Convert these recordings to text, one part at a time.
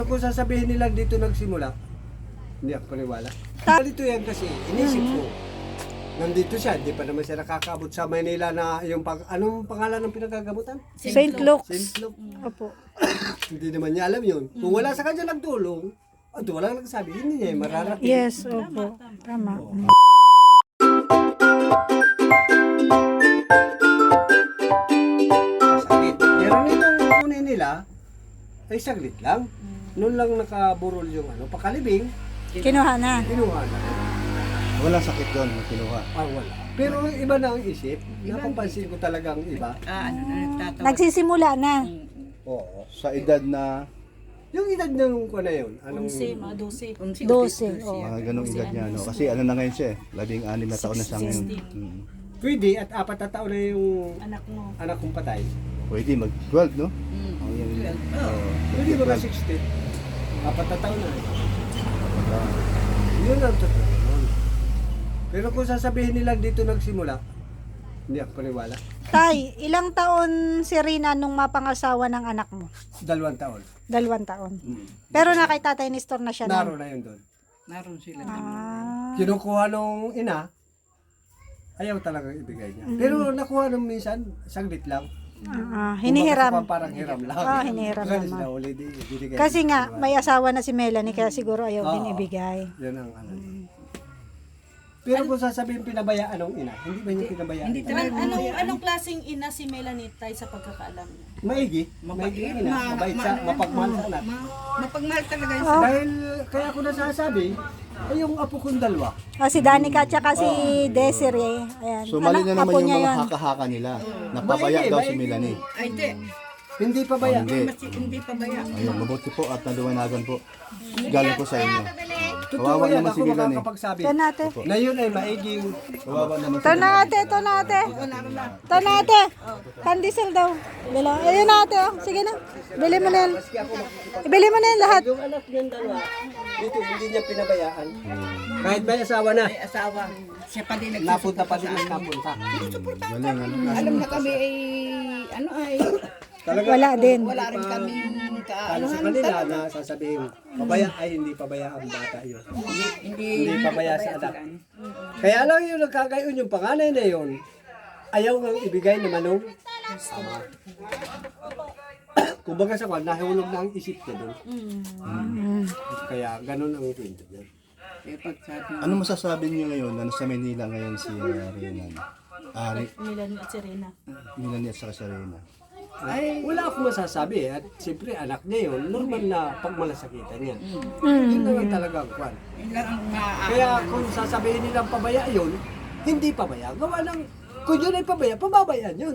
Kung sasabihin nilang dito nagsimula, hindi ako paniwala. Dito yan kasi, inisip ko. Nandito siya, hindi pa naman siya nakakaabot sa Manila na yung anong pangalan ng pinagagamutan? St. Luke's. St. Luke. Opo. Hindi naman niya alam yun. Kung wala sa kanya nagtulong, walang nagsabi, hindi niya mararating. Yes, opo. Tama. Sakit. Pero nitong kunin nila, ay saglit lang. Noon lang nakaburol yung pakalibing, Kinuha na. kinuha na. Walang sakit doon, kinuha. Wala. Pero iba na ang isip. Napapansin ko talagang iba. Nagsisimula na. Oo. Sa edad na Yung edad ng ko na yun. Anong... 12. Oh. ganong edad niya. No? Kasi ano na ngayon siya 16 na taon na siya ngayon. Pwede at 4 na taon na yung anak kong patay. Pwede mag-12, no? Oh, yan. Pwede ba 60? 4 na taon na. Yun ang totoo. Pero kung sasabihin nilang dito nagsimula, hindi ako paniwala. Tay, ilang taon si Rina nung mapangasawa ng anak mo? 2 taon. 2 taon. Pero na kay Tatay Nestor na siya na. Naroon na yun doon. Naroon sila. Kinukuha nung ina, ayaw talaga ibigay niya. Pero nakuha nung minsan, saglit lang. Hinihiram. Kumbaga, parang hiram lang. Hinihiram Galis naman. na uli, binigay. Kasi nga, may asawa na si Melanie, kaya siguro ayaw din ibigay. Yan ang ano. Pero kung sasabihin pinabayaan ng ina, hindi ba niya pinabayaan? Hindi talaga. Anong klaseng ina si Melanie Tay sa pagkakaalam niya? Maigi. Maigi ina. Mabait sa mapagmahal sa anak. Mapagmahal talaga yun. Dahil kaya ko nasasabi, ay yung apo kong dalawa. Si Danica at saka si Desiree. Ayan. So mali na naman apo yung niya mga yun. haka-haka nila. Napabaya daw si Melanie. Ay, hindi. Hindi pa baya. Hindi. Hindi pa ba yan? Ayun, mabuti po at naluwanagan po. Galing po sa inyo. Totoo Kawawa yan, naman ako si Melanie. makakapagsabi. Ito natin. Na yun ay maiging. Kawawa naman si Ito natin, ito natin. Ito natin. Pandesal daw. Bila. Ayun natin. Oh. Sige na. Bili mo na yan. Ibili mo na yan lahat. Yung anak niyang dalawa, dito hindi niya pinabayaan. Kahit may asawa na, Ay, asawa. Siya pa din napunta pa nagsusuporta din sa ang amin. napunta. Galing, ano? Alam na kami ay, Talaga, Wala din. wala rin kami Ano sa kanila na sasabihin, pabaya ay hindi pabaya ang bata yun. Hindi pabaya sa anak. Kaya lang yung nagkagayon yung panganay na yun, ayaw nang ibigay ni Manong. Kumbaga sa kwan, nahulog na ang isip niya doon. Kaya ganun ang kwento niya. Eh, pagsabi, Ano masasabi niyo ngayon na nasa Manila ngayon si Renan? Melanie at Serena. Melanie at saka si Rena. Ay, wala akong masasabi at siyempre anak niya yun, normal na pagmalasakitan niya. Yun naman talaga ang kwan. yun lang ang Kaya kung sasabihin nilang pabaya yun, hindi pabaya. Gawa ng, kung yun ay pabaya, pababayaan yun.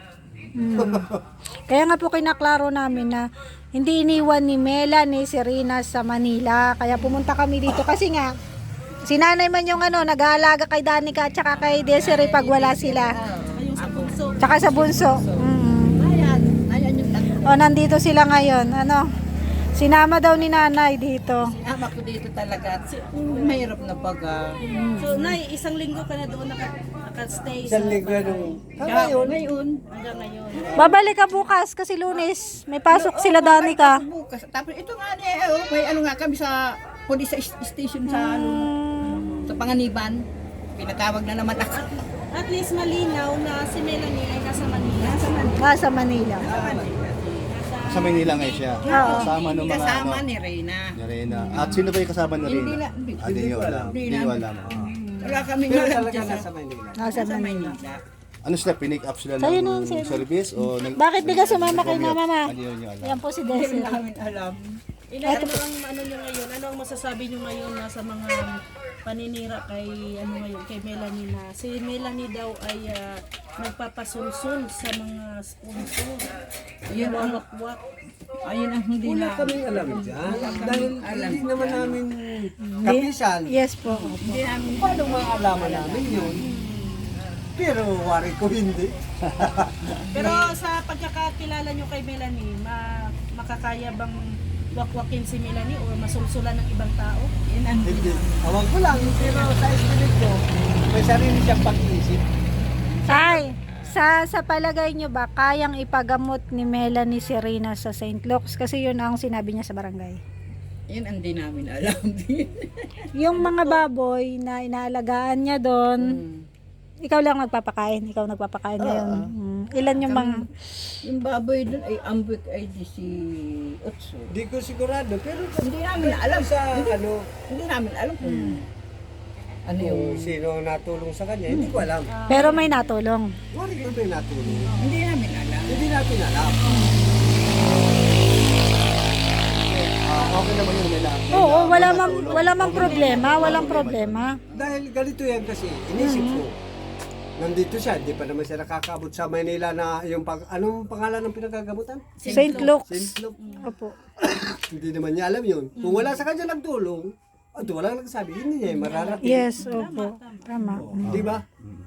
Kaya nga po kinaklaro namin na hindi iniwan ni Melanie si Rina sa Manila. Kaya pumunta kami dito kasi nga si nanay man yung nag-aalaga kay Danica at saka kay Desiree pag wala sila. Ayun sa bunso. Tsaka sa bunso. Ayan yung tatlo. O nandito sila ngayon. Sinama daw ni nanay dito. Ama ko dito talaga. Mahirap na baga. So, Nay, isang linggo ka na doon naka-stay Isang linggo nung, ngayon, hanggang ngayon. Babalik ka bukas kasi Lunes. May pasok sila Danica. Bukas. Tapos ito nga may ano nga kami sa police station sa sa Panganiban. Pinatawag na naman ako. At least malinaw na si Melanie ay nasa Manila. Sa Manila. Sa Manila ngayon siya. Kasama ng mga Kasama ano, ni Reyna. ni Rena. At sino ba yung kasama ni Hindi Rena? na. Hindi niyo alam. Hindi niyo alam. Wala kaming pero alam talaga dyan nasa Manila. Nasa Manila. Ano sila, pinick up sila Sa'yo na yun, ng sir. service? O Bakit di ka sumama kay mama? Hindi niyo alam. Yan po si Hindi Desiree. namin alam. Inay, ano niyo ngayon? Ano ang masasabi niyo ngayon na sa mga paninira kay ngayon kay Melanie na si Melanie daw ay nagpapasulsul sa mga sponsor. Yun ang Wakwak. ayun ang hindi Wala na. kaming alam dyan. Dahil hindi naman namin kapisan. Yes po. Hindi namin Paano maalaman namin yun? Pero wari ko hindi. Pero sa pagkakakilala niyo kay Melanie, makakaya bang wakwakin si Melanie o masulsulan ng ibang tao? yun ang Hindi. Awag ko lang, pero sa estimate ko, may sarili siyang pag-iisip. Tay, sa palagay nyo ba, kayang ipagamot ni Melanie si Rina sa St. Luke's? Kasi yun ang sinabi niya sa barangay. Yan ang di namin alam. Yung mga baboy na inaalagaan niya doon, ikaw lang nagpapakain. Ikaw nagpapakain ngayon. Ilan yung mga... Yung baboy doon ay ambik ay di si Otso. Hindi ko sigurado, pero Hindi namin alam. sa ano, Hindi namin alam kung ano yung... kung sino natulong sa kanya, hindi ko alam. Pero may natulong. Wari ko ba yung natulong? Hindi namin alam. Hindi natin alam. Okay naman yun nila. Oo, wala mang problema. Walang problema. Dahil ganito yan kasi, inisip ko. Nandito siya, hindi pa naman siya nakakaabot sa Manila na yung anong pangalan ng pinagagamutan? St. Luke's. St. Luke. Opo. Hindi naman niya alam yun. Kung wala sa kanya nagtulong, walang nagsabi, hindi niya mararating. Yes, opo. Tama. Di ba?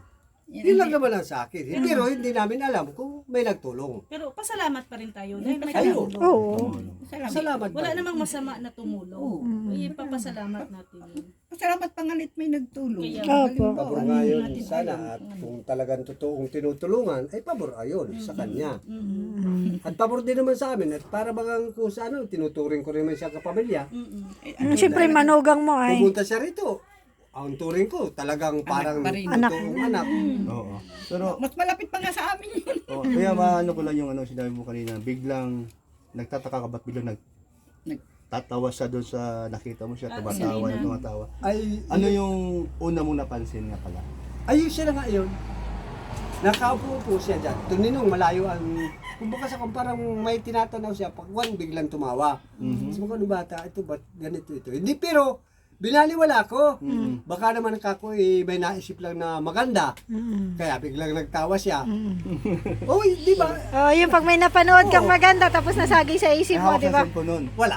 Yun lang naman ang sa akin. Pero hindi namin alam kung may nagtulong. Pero pasalamat pa rin tayo dahil may Ayun. tumulong. Oo. Salamat Wala ba? namang masama na tumulong. Ipapasalamat natin yun. Salamat pangalit may nagtulong. Kaya- Opo. Pabor nga yun sana at kung talagang totoong tinutulungan, ay pabor ayon sa kanya. At pabor din naman sa amin at para bagang kung sa ano, tinuturing ko rin man siya kapamilya. Siyempre, manugang mo ay. Pumunta siya rito. Ang turing ko, talagang parang pa rin. totoong anak. Oo. Pero, Mas malapit pa nga sa amin yun. kaya maano ko lang yung ano sinabi mo kanina, biglang nagtataka ka ba't biglang nagtatawa siya doon sa nakita mo siya, tumatawa na tumatawa. Ay, Ano yung una mong napansin nga pala? ayun siya na nga yun. Nakaupo po siya dyan. Tuninong malayo ang... Kumbaga sa kung parang may tinatanaw siya, pagwan biglang tumawa. Sabi ko, ano bata, ito ba't ganito ito? Hindi, pero binaliwala ko. Baka naman ako may naisip lang na maganda. Kaya biglang nagtawa siya. Oh, di ba? Oh, yung pag may napanood kang maganda tapos nasagi sa isip mo, Hawak di sa ba? cellphone nun. Wala.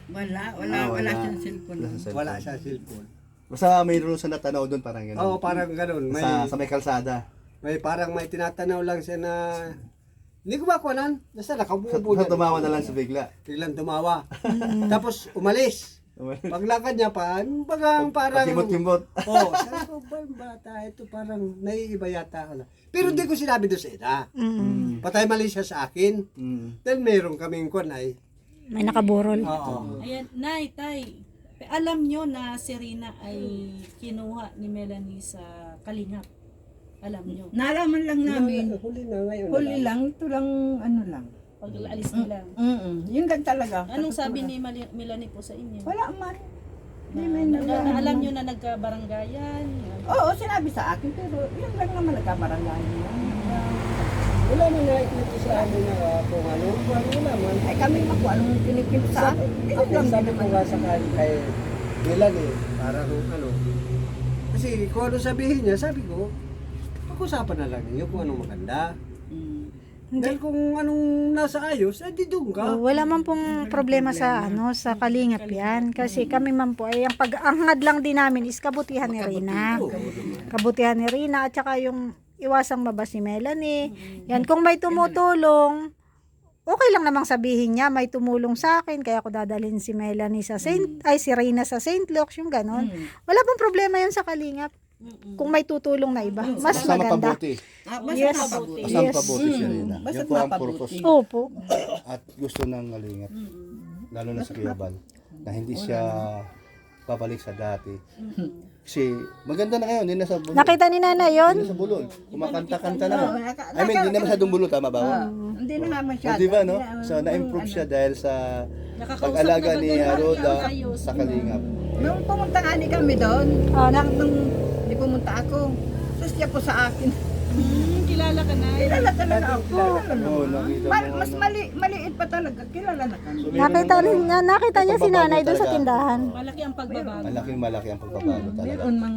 Wala siyang cellphone. Wala sa cellphone. Wala siya cellphone. Basta mayroon sa natanaw doon parang gano'n. Oo, parang ganun. May, Sa may kalsada. parang may tinatanaw lang siya na... Hindi ko makuhanan. Basta nakaupo Sa tumawa na lang sa bigla. Biglang tumawa. Tapos umalis. Paglakad niya pa, parang... Kimot-kimot. Oo, sabi ko, ba yung bata, ito parang naiiba yata. Pero hindi ko sinabi doon sa ina. Patay mali siya sa akin. Then meron kaming kunay. May nakaburol. Oo. Ayan, Nay, Tay, alam nyo na si Rina ay kinuha ni Melanie sa Kalingap. Alam nyo. Nalaman lang namin. Huli na ngayon. Huli lang, ito lang, ano lang. Pag alis nila. Yun lang talaga. Anong sabi ni Melanie po sa inyo? Wala man. Hindi may Na alam nyo na nagkabaranggayan? Oo, sinabi sa akin, pero yun lang naman nagkabarangay niya. Wala na nakikita sa amin na kung ano. Wala man. Ay kami ako, anong kinikip sa akin? Yun Ako lang din sabi ko naman. nga sa kay Milan parang ano. Kasi kung ano sabihin niya, sabi ko, pag-usapan na lang niyo kung anong maganda. Dahil kung anong nasa ayos, di doon ka. Oh, wala man pong problema sa sa Kalingap yan. Kasi kami man po ay ang pag-angad lang din namin is kabutihan ni Rina. Kabutihan ni Rina at saka yung iwasang mabas ni Melanie. Yan, kung may tumutulong, okay lang namang sabihin niya, may tumulong sa akin, kaya ako dadalhin si Melanie sa si Rina sa St. Luke's, yung ganon. Wala pong problema yun sa Kalingap. Kung may tutulong na iba, mas Basta maganda. mapabuti. Basta Yes. mapabuti. Basta mapabuti siya rin. Basta Yan po ang mapabuti. purpose. Opo. At gusto ng Kalingap. Lalo na sa Kuya Bal. Na hindi siya babalik sa dati. Kasi maganda na ngayon. Hindi na sa bulol. Nakita ni Nana yon? Hindi na sa bulol. Kumakanta-kanta na. I mean, hindi na masyadong bulol. Tama ba? Hindi na nga O, masyado. di ba, no? So, na-improve siya dahil sa Nakakausap pag-alaga na ni ba kayo? Roda Ayos. sa Kalingap. Nung pumunta nga ni kami doon, nung di pumunta ako, sus siya po sa akin. Kilala ka na. Kilala talaga ako. Oo, nakita mo. Mas maliit pa talaga. Kilala na kami. Nakita niya si Nanay doon sa tindahan. Malaki ang pagbabago. Malaki ang pagbabago talaga. Meron mang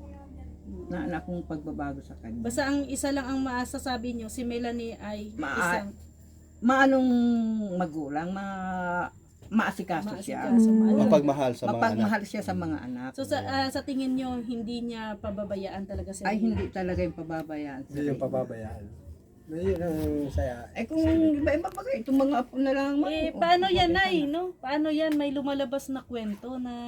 na akong pagbabago sa kanya. Basta ang isa lang ang maasasabi nyo, si Melanie ay isang Maanong magulang, maasikaso siya. Mapagmahal sa mga anak. Mapagmahal siya sa mga anak. So sa tingin nyo, hindi niya pababayaan talaga si Ay, Rina? hindi talaga yung pababayaan. Hindi yung pababayaan. Yun ang saya. Ay, kung iba-iba pa kayo, itong mga apo na lang. Paano yan, Nay, no? Paano yan? May lumalabas na kwento na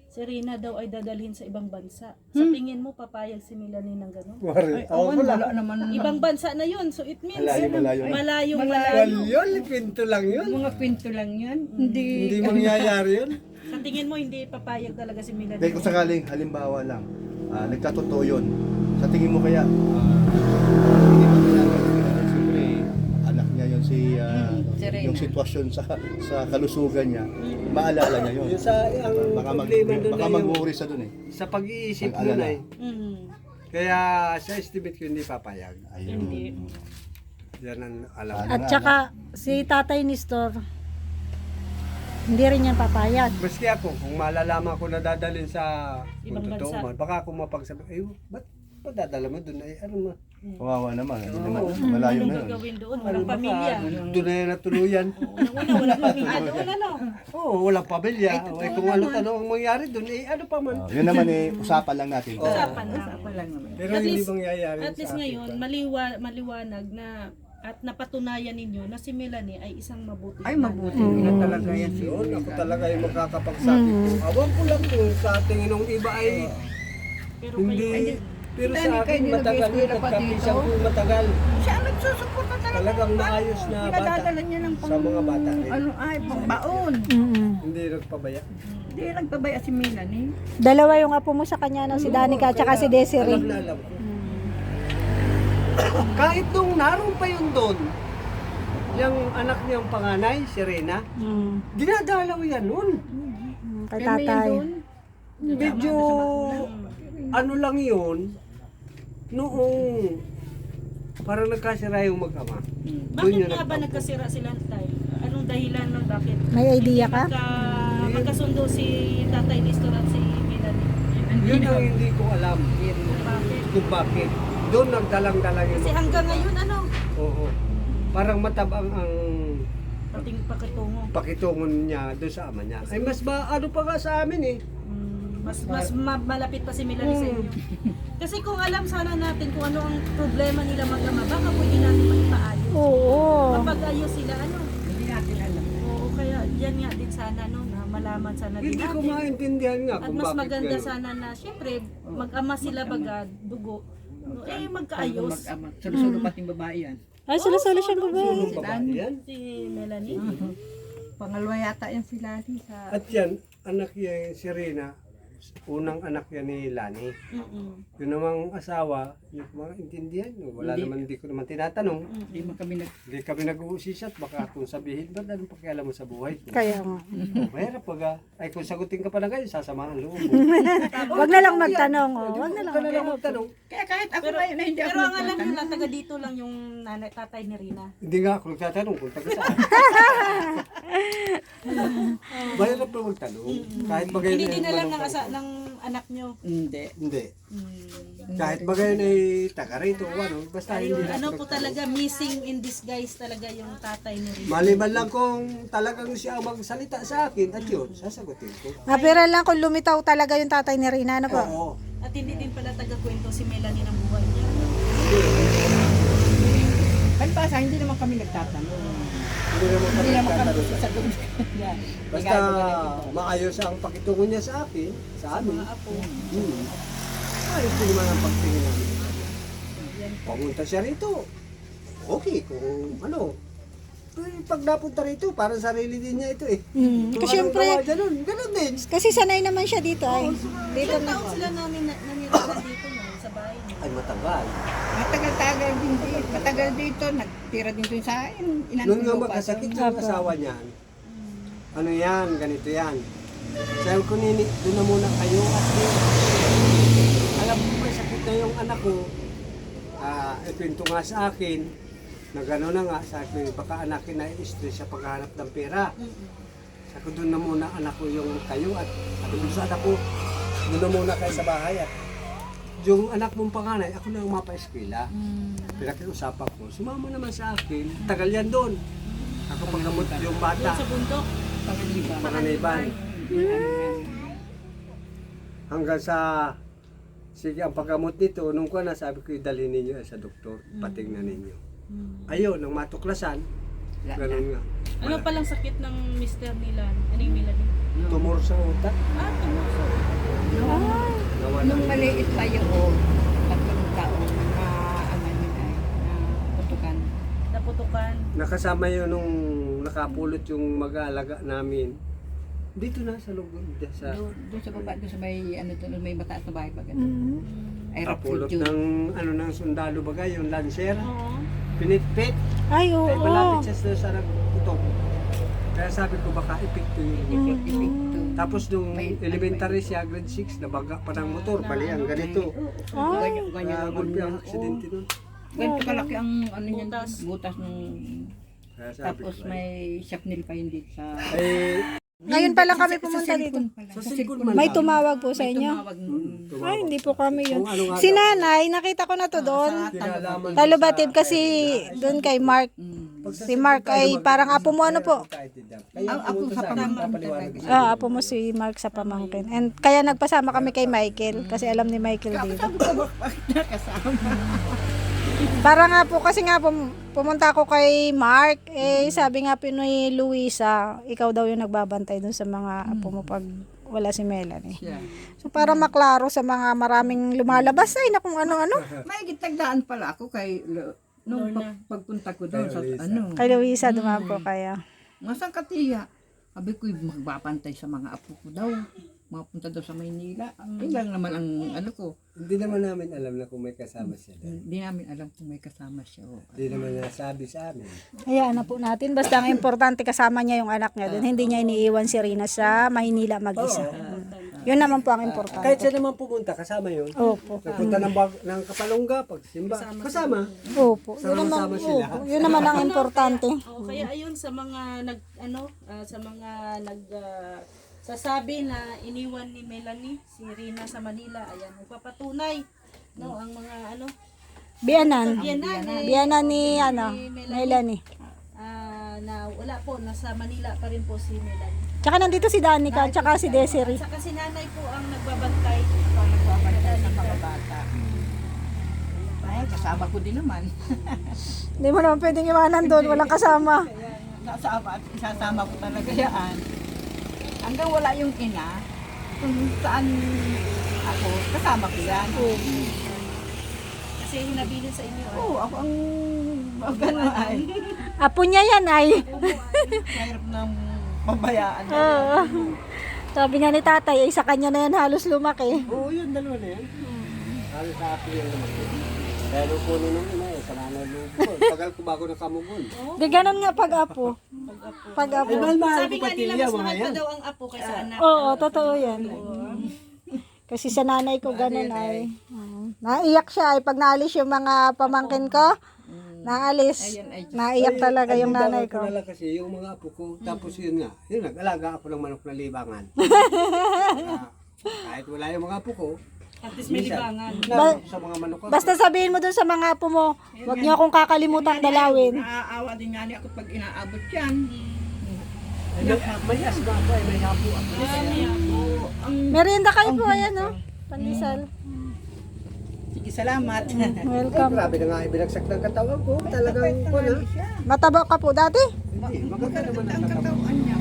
si Rina daw ay dadalhin sa ibang bansa. Sa tingin mo, papayag si Melanie ng gano'n? Wari. Oo, wala naman. Ibang bansa na yun. So it means, Malayo. malayong Well, yun, pinto lang yun. Mga kwento lang yan. Hindi. Hindi mangyayari yun. Sa tingin mo, hindi papayag talaga si Melanie. Dahil kung sakaling, halimbawa lang, nagkatotoo yun, sa tingin mo kaya, hindi pa kaya, siyempre, anak niya yun yung sitwasyon sa kalusugan niya, maalala niya yun. Yung sa, ang problema doon Baka na yung, mag-worry sa dun eh. sa pag-iisip Ang nun alala. ay. Mhm. Kaya sa estimate ko hindi papayag. Ayun. Hindi. Yan ang alam. At saka si Tatay Nestor, hindi rin yan papayag. Maski ako, kung malalaman ko na dadalhin sa Ibang kung totoo bansa. man, baka ako mapagsabi, ay, ba't dadala mo doon? Ay, ano mo? Kawawa naman, hindi naman, malayo Anong na yun. gagawin doon? Walang pamilya. Doon na yan natuluyan. Unang-una, walang pamilya doon, ano? Oo, walang pamilya. Ay, kung ano ang mangyari doon, eh, ano pa man. Yun naman eh, usapan lang natin. Usapan na. Usapan lang naman. Pero At hindi least- mangyayari At least sa akin ngayon, pa. maliwanag na at napatunayan ninyo na si Melanie ay isang mabuti. Ay, mabuti na talaga yan si Yun, ako talaga yung makakapagsabi ko. Awan ko lang kung sa tingin ng iba ay Pero hindi. Pero Dahil sa kayo akin nilagay matagal ko yung na pa pagkapisang dito. ko matagal. Siya ang nagsusuporta talaga. Talagang maayos na bata. Pinadadala niya ng Sa mga bata rin. Ano ay, pangbaon. Hindi nagpabaya. Hindi nagpabaya si Melanie. Dalawa yung apo mo sa kanya, no? Si Danica at saka si Alam Desiree. na alam ko. Kahit nung naroon pa yun doon, yung anak niyang panganay, si Rena, dinadalaw yan nun. Kay Tatay. Medyo ano lang yun, noong parang nagkasira yung mag-ama. bakit nga ba nagkasira sila tayo? Anong dahilan nun? Bakit? May idea ka? Magkasundo si Tatay Nestor at si Melanie. Yun ang hindi ko alam Bakit? kung bakit. Doon nagdalang-dalang yung Kasi hanggang ngayon, ano? Oo. Parang matabang ang Pating pakitungo. pakitungon niya doon sa ama niya. Ay mas ano pa nga sa amin eh. Malapit pa si Melanie sa inyo. Kasi kung alam sana natin kung ano ang problema nila mag-ama, baka pwede natin maipaayos. Oo. Kapag ayos sila, ano? Hindi natin alam. Oo, kaya yan nga din sana, no, na malaman sana din Hindi ko natin. maintindihan nga At kung mas bakit maganda gano'n. sana na, syempre, mag-ama sila baga, dugo. No, eh, magkaayos. Mag-ama. Sulo-sulo pating babae yan. Ay, sila-sila siyang babae. Yung babae yan. Si Melanie. Pangalawa yata yan si Lani sa... At yan, anak niya si Rina, unang anak yan ni Lani. Yung namang asawa, yung mga intindihan, wala naman, hindi ko naman tinatanong. Hindi mo kami Hindi kami nag-uusisat, baka kung sabihin, ba't anong pakialam mo sa buhay ko? Kaya nga. Mahirap pag, ay kung sagutin ka pa na kayo, sasama ang loob mo. Wag na lang magtanong, oh. Wag na lang. Huwag ka na lang magtanong. Kaya kahit ako ngayon na hindi ako Pero ang alam nila, taga dito lang yung nanay, tatay ni Rina. Hindi nga ako nagtatanong kung taga saan. Mahirap na magtanong. Kahit bagay Hindi na din yung alam manong- ng anak nyo. Hindi. Hindi. Kahit bagay na taga rito o ano, basta hindi Ayun, na ano ako po nagtanong. talaga, missing in disguise talaga yung tatay ni Rina. Maliban lang kung talagang siya ang magsalita sa akin at yun, sasagutin ko. Pero lang kung lumitaw talaga yung tatay ni Rina, ano po? Oo. At hindi din pala taga-kwento si Melanie ng buhay niya. Palibasa, hindi naman kami nagtatanong. Hindi naman kami Hindi naman kami nagtatanong. sa doon. Yan. Basta maayos ang pakitungo niya sa akin, sa amin. Apo. Ayos din naman ang pagtingin namin. Pumunta siya rito. Okay, kung ano. Pero pag napunta rito, parang sarili din niya ito eh. Kung Kasi anong syempre, gawa niya nun, ganun din. kasi sanay naman siya dito ay. Dito Ilang na. taon sila namin nanirahan dito no, sa bahay niya. Ay, matagal. Matagal-tagal din dito. Matagal dito. Nagtira din doon sa inanong Noon nga lupa magkasakit doon. yung asawa niyan. Ano yan, ganito yan. Sabi ko, Nini, doon na muna kayo at alam mo may sakit na yung anak ko. Ikwento nga sa akin na gano'n na nga, sabi ko, baka anakin na i-stress sa paghahanap ng pera. Sabi ko, doon na muna anak ko yung kayo at sabi ko sa anak ko, doon na muna kayo sa bahay at yung anak mong panganay, ako na yung mapa-eskwela. Pinakiusapan ko, sumama naman sa akin, tagal yan doon. Ako paggamot yung bata, Sa bundok. panganiban. Hanggang sa, sige, ang paggamot nito, nung ko na, sabi ko, dalhin ninyo sa doktor, patingnan ninyo. Ayun, nang matuklasan, ganun nga. Ano palang sakit ng mister nila? Ano yung Melanie? Tumor sa utak. Tumor sa Nawala. Nung maliit pa yung 3 taon na ano yun ay na putukan. Naputukan. Nakasama yun nung nakapulot yung mag-aalaga namin. Dito na sa loob sa Doon sa baba, doon sa may ano doon may mataas na bahay pa ganun. Mm. Ay kapulot refugee. ng ano ng sundalo bagay yung lancer. Oo. Pinitpit. Ay, oo. Ay malapit siya sa nagputok. Kaya sabi ko baka epekto yun. Epekto. Tapos nung May- elementary siya, grade 6, nabaga pa ng motor. Bali ang ganito. Ganyan Kaya ang gulpi ang aksidente nun. ganito kalaki ang ano niyan, Butas. butas ng Kaya sabi tapos ko, may shrapnel pa hindi sa eh, Ngayon pa lang kami pumunta dito. sa cellphone man May lang. tumawag po sa inyo? tumawag Tumawag. Ay, hindi po kami yun. Kung ano nga Si daw, nanay, nakita ko na to doon. kinalaman Talobatib kasi doon kay Mark. Si Mark ay parang apo mo ano po? Kaya ako pumunta sa sa amin, pamangkin papaliwanag. Apo mo si Mark sa pamangkin. And kaya nagpasama kami kay Michael kasi alam ni Michael dito. sabi ko bakit nakasama. Para nga po kasi nga pumunta ako kay Mark, eh sabi nga Pinoy Luisa, ikaw daw yung nagbabantay doon sa mga apo mo pag wala si Melanie. Siya. So para maklaro sa mga maraming lumalabas ay na kung ano-ano. May gitagdaan pala ako kay nung pagpunta ko doon sa ano. Kay Luisa dumaan po kaya. Masang katiya. Sabi ko magbabantay sa mga apo ko daw. Mapunta daw sa Maynila. Yun lang naman ang ano ko. Hindi naman namin alam na kung may kasama siya. Hindi namin alam kung may kasama siya. O. Hindi naman nasabi sa amin. Hayaan na po natin. Basta ang importante kasama niya yung anak niya doon. Hindi niya iniiwan si Rina sa Maynila mag-isa. Yun naman po ang importante. Kahit siya naman pumunta, kasama yun. Opo. Nagpunta ng Kapalongga, pagsimba, kasama. Opo. Yun naman, Sama-sama sila. opo. Yun naman ang importante. Oo, kaya ayun sa mga sa mga sasabi na iniwan ni Melanie si Rina sa Manila, ayan nagpapatunay ang mga Biyanan. biyanan Biyanan ni Melanie. na wala po, nasa Manila pa rin po si Melanie. Tsaka nandito si Danica, tsaka si Desiree. Saka si nanay po ang nagbabantay. Sa mga bata. Ay, kasama ko din naman. Hindi mo naman pwedeng iwanan doon, walang kasama. Kasama at isasama ko talaga yan. Hanggang wala yung ina, kung saan ako, kasama ko yan. Kasi hinabilin sa inyo. Oo, ako ang gano'n ay. Apo niya yan ay. Mahirap ng mabayaan. Oo. Sabi nga ni tatay, ay sa kanya na yan halos lumaki. Oo, yun, dalawa na yan. Halos sa akin yung naman. Kaya nung puno nung ina sa nanay nung tagal ko bago nakamugon. Di ganun nga pag-apo. Pag-apo. Mahal Sabi ko nga nila, patilya, mas mga mahal pa yan. daw ang apo kaysa anak. Oo, totoo yan. Kasi sa nanay ko ganun ay. Naiyak siya ay pag naalis yung mga pamangkin ko. Naalis. Naiyak talaga yung nanay ko. Ko kasi yung mga apo ko, tapos yun nga, yun nag-alaga ako ng manok na libangan. Kahit wala yung mga apo ko, At least may libangan. sa mga manok ako. Basta sabihin mo dun sa mga apo mo, huwag niyo akong kakalimutan dalawin. Naaawa din nga niya ako pag inaabot yan. May asma ako ay may hapo ako. Merienda kayo po, ayan o. Pandesal. Sige, salamat. Ay, Welcome. grabe na nga ibinagsak ng katawan ko. Talagang ko na. Mataba ka po dati? Hindi, maganda naman ang Ang katawan. katawan niya.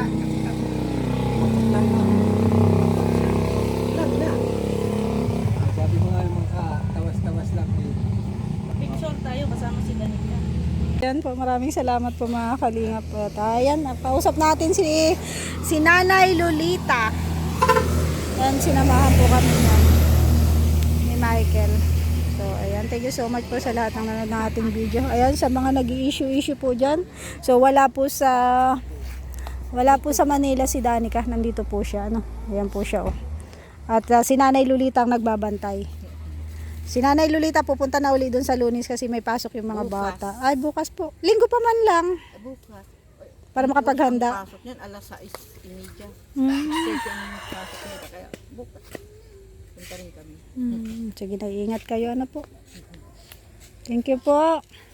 Sabi ko nga yung mga tawas-tawas lang. Picture tayo kasama si Danica. Ayan po, maraming salamat po mga kalingap po. Ayan, pausap natin si Nanay Lolita. Ayan, sinamahan po kami ni Michael. So, ayan, thank you so much po sa lahat ng nanonood ng ating video. Ayan, sa mga nag-i-issue po dyan. So, wala po sa Manila si Danica. Nandito po siya, ano. Ayan po siya, oh. At si Nanay Lolita ang nagbabantay. Si Nanay Lolita pupunta na uli doon sa Lunes kasi may pasok yung mga bata. Ay, bukas po. Linggo pa man lang. Bukas. Para makapaghanda. Pasok niyan, alas 6:30. Hmm. Kasi ang pasok nila, kaya bukas. Punta rin kami. Sige na, ingat kayo. Ano po. Thank you po.